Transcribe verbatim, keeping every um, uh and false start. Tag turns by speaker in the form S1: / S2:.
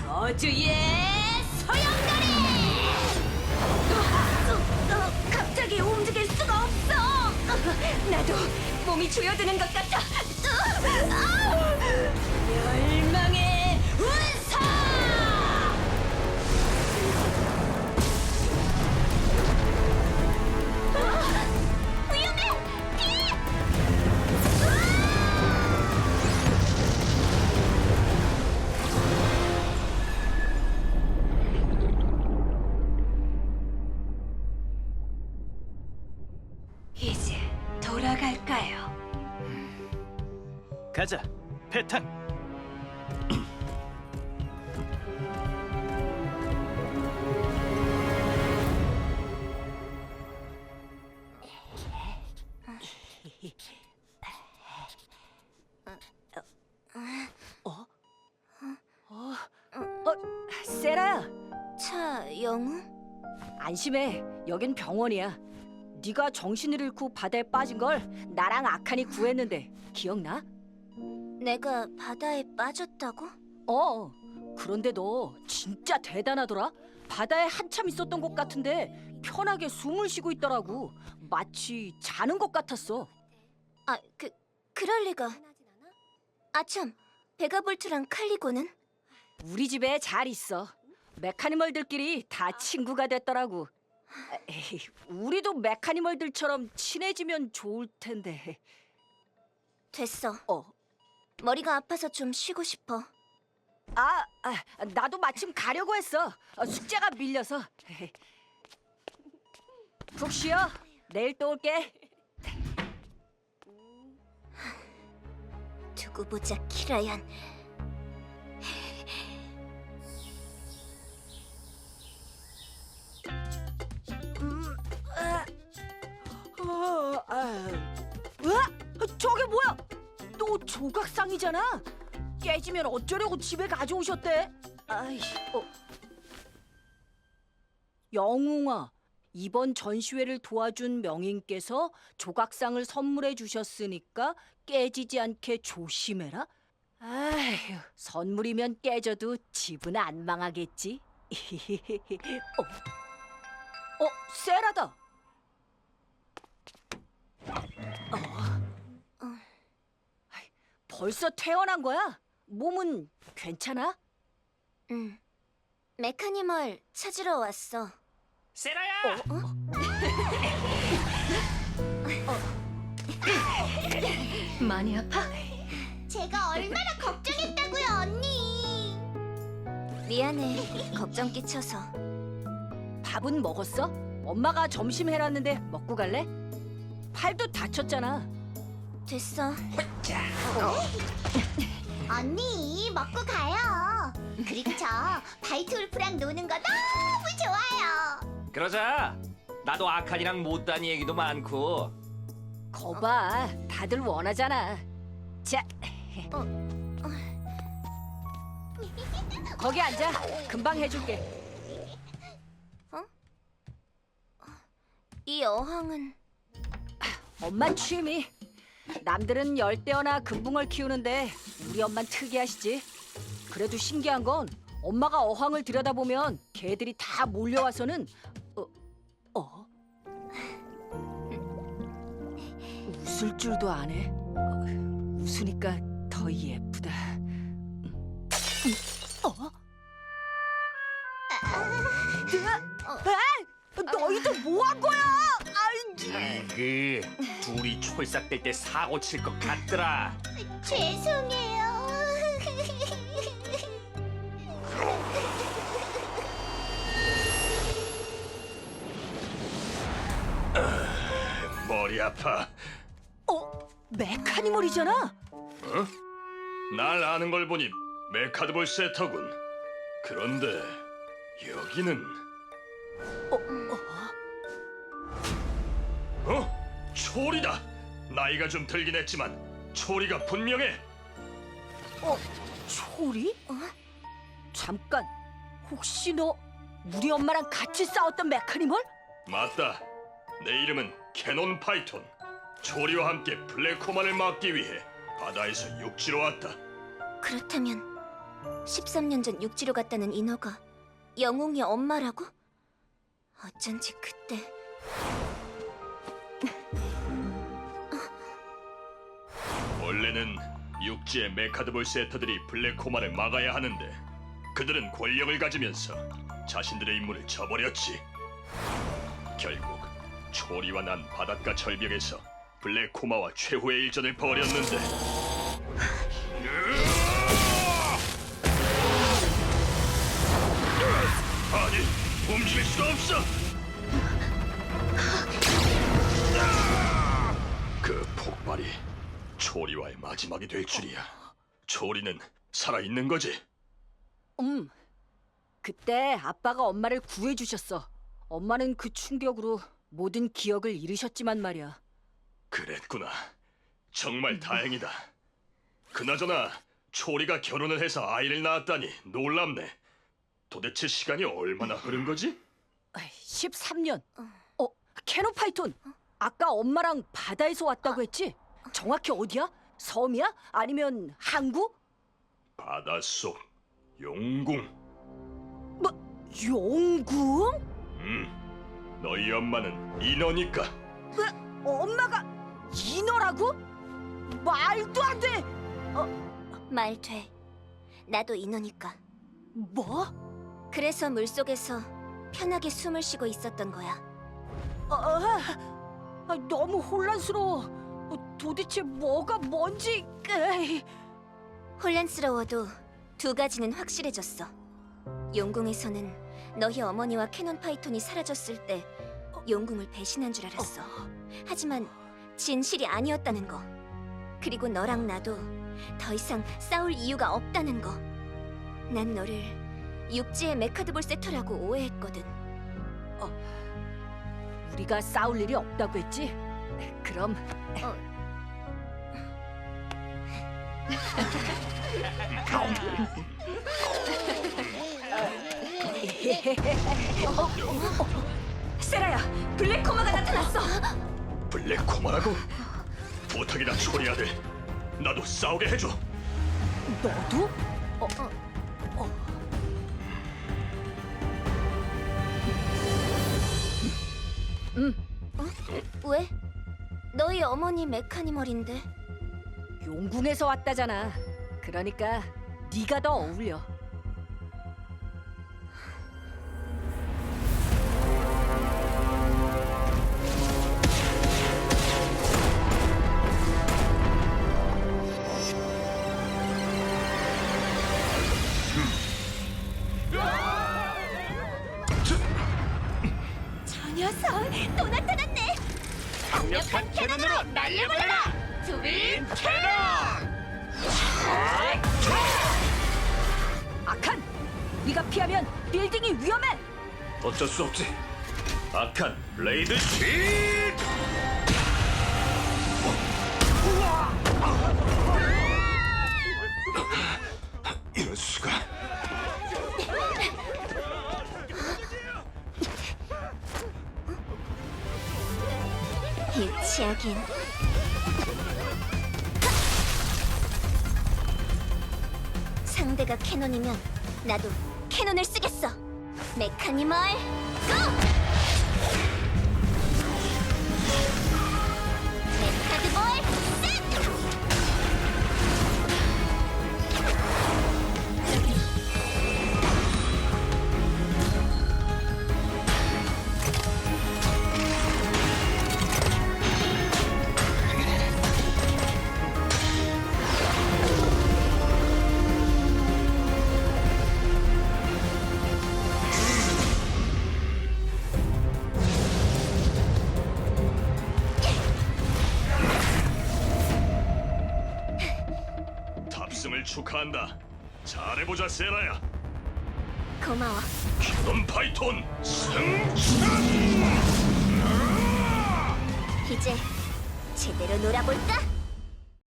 S1: 저주의 소용돌이! 어, 어, 갑자기 움직일 수가 없어! 어, 나도 몸이 조여드는 것 같아! 어, 아우! 멸망의 운사! 어, 위험해! 피! 이제 돌아갈까요?
S2: 가자, 패탄.
S3: 세라야,
S1: 차, 영웅?
S3: 안심해. 여긴 병원이야. 네가 정신을 잃고 바다에 빠진 걸 나랑 아칸이 구했는데 기억나?
S1: 내가 바다에 빠졌다고?
S3: 어. 그런데 너 진짜 대단하더라. 바다에 한참 있었던 것 같은데 편하게 숨을 쉬고 있더라고. 마치 자는 것 같았어.
S1: 아, 그, 그럴 리가. 아참, 베가볼트랑 칼리고는?
S3: 우리 집에 잘 있어. 메카니멀들끼리 다 친구가 됐더라고. 에이, 우리도 메카니멀들처럼 친해지면 좋을 텐데.
S1: 됐어.
S3: 어.
S1: 머리가 아파서 좀 쉬고 싶어.
S3: 아, 아, 나도 마침 가려고 했어. 어, 숙제가 밀려서. 푹 쉬어. 내일 또 올게.
S1: 두고 보자, 키라얀.
S3: 음, 아, 어, 아, 으아! 저게 뭐야? 또 조각상이잖아. 깨지면 어쩌려고 집에 가져오셨대? 아이, 어. 영웅아, 이번 전시회를 도와준 명인께서 조각상을 선물해 주셨으니까 깨지지 않게 조심해라. 아휴, 선물이면 깨져도 집은 안 망하겠지. 어, 어, 세라다. 어. 아이, 벌써 퇴원한 거야? 몸은 괜찮아?
S1: 응. 메카니멀 찾으러 왔어.
S2: 세라야.
S1: 많이 아파? 제가 얼마나 걱정했다고요, 언니. 미안해, 걱정 끼쳐서.
S3: 밥은 먹었어? 엄마가 점심 해놨는데 먹고 갈래? 팔도 다쳤잖아.
S1: 됐어.
S4: 언니 먹고 가요. 그리고 저 바이트 울프랑 노는 거 너무 좋아요.
S2: 그러자. 나도 아칸이랑 못다니 얘기도 많고.
S3: 거봐, 다들 원하잖아. 자, 거기 앉아. 금방 해줄게.
S1: 이 어항은
S3: 엄마 취미. 남들은 열대어나 금붕어를 키우는데 우리 엄만 특이하시지. 그래도 신기한 건 엄마가 어항을 들여다보면 개들이 다 몰려와서는 어, 어? 웃을 줄도 안 해. 어, 웃으니까 더 예쁘다. 음. 어? 아, 너희들 뭐 한 거야? 아이,
S2: 그 둘이 촐싹댈 때 사고 칠 것 같더라.
S4: 죄송해요.
S5: 머리 아파.
S3: 어? 메카니멀이잖아.
S5: 날 아는 걸 보니 메카드볼 세터군. 그런데 여기는 어? 초리다. 나이가 좀 들긴 했지만 초리가 분명해.
S3: 어? 초리? 잠깐, 혹시 너 우리 엄마랑 같이 싸웠던 메카니멀?
S5: 맞다. 내 이름은 캐논 파이톤. 초리와 함께 블랙호만을 막기 위해 바다에서 육지로 왔다.
S1: 그렇다면
S4: 십삼 년 전 육지로 갔다는 인어가 영웅이 엄마라고? 어쩐지 그때
S5: 원래는 육지의 메카드볼 세터들이 블랙코마를 막아야 하는데 그들은 권력을 가지면서 자신들의 임무를 저버렸지. 결국 초리와 난 바닷가 절벽에서 블랙코마와 최후의 일전을 벌였는데 아니, 움직일 수가 없어! 그 폭발이 초리와의 마지막이 될 줄이야. 초리는 살아있는 거지?
S3: 음. 그때 아빠가 엄마를 구해주셨어. 엄마는 그 충격으로 모든 기억을 잃으셨지만 말이야.
S5: 그랬구나. 정말 다행이다. 그나저나 초리가 결혼을 해서 아이를 낳았다니 놀랍네. 도대체 시간이 얼마나 흐른 거지?
S3: 십삼 년. 어, 캐노파이톤. 아까 엄마랑 바다에서 왔다고 했지? 정확히 어디야? 섬이야? 아니면 항구?
S5: 바닷속 용궁.
S3: 뭐, 용궁?
S5: 음, 너희 엄마는 인어니까.
S3: 엄마가 인어라고? 말도 안 돼!
S4: 말 돼. 나도 인어니까.
S3: 뭐?
S4: 그래서 물속에서 편하게 숨을 쉬고 있었던 거야.
S3: 아, 아, 너무 혼란스러워. 어, 도대체 뭐가 뭔지... 에이.
S4: 혼란스러워도 두 가지는 확실해졌어. 용궁에서는 너희 어머니와 캐논 파이톤이 사라졌을 때 용궁을 배신한 줄 알았어. 하지만 진실이 아니었다는 거. 그리고 너랑 나도 더 이상 싸울 이유가 없다는 거. 난 너를 육지의 메카드볼 세터라고 오해했거든.
S3: 우리가 싸울 일이 없다고 했지? 그럼
S1: 세라야, 블랙코마가 나타났어.
S5: 블랙코마라고? 부탁이다, 초리 아들. 나도 싸우게 해줘.
S3: 너도?
S4: 왜? 너희 어머니 메카니멀인데.
S3: 용궁에서 왔다잖아. 그러니까 네가 더 어울려.
S1: 저 녀석 또 나타났네.
S2: 강력한 캐논으로 날려버려라! 트윈 캐논!
S3: 아칸! 네가 피하면 빌딩이 위험해!
S5: 어쩔 수 없지. 악한 블레이드 킥! 이럴 수가.
S4: 유치하긴. 상대가 캐논이면 나도 캐논을 쓰겠어. 메카니멀 고! 메카드볼 셋!
S5: 탑승을 축하한다. 잘해보자, 세라야.
S4: 고마워.
S5: 캐논 파이톤 승천!
S4: 이제 제대로 놀아볼까?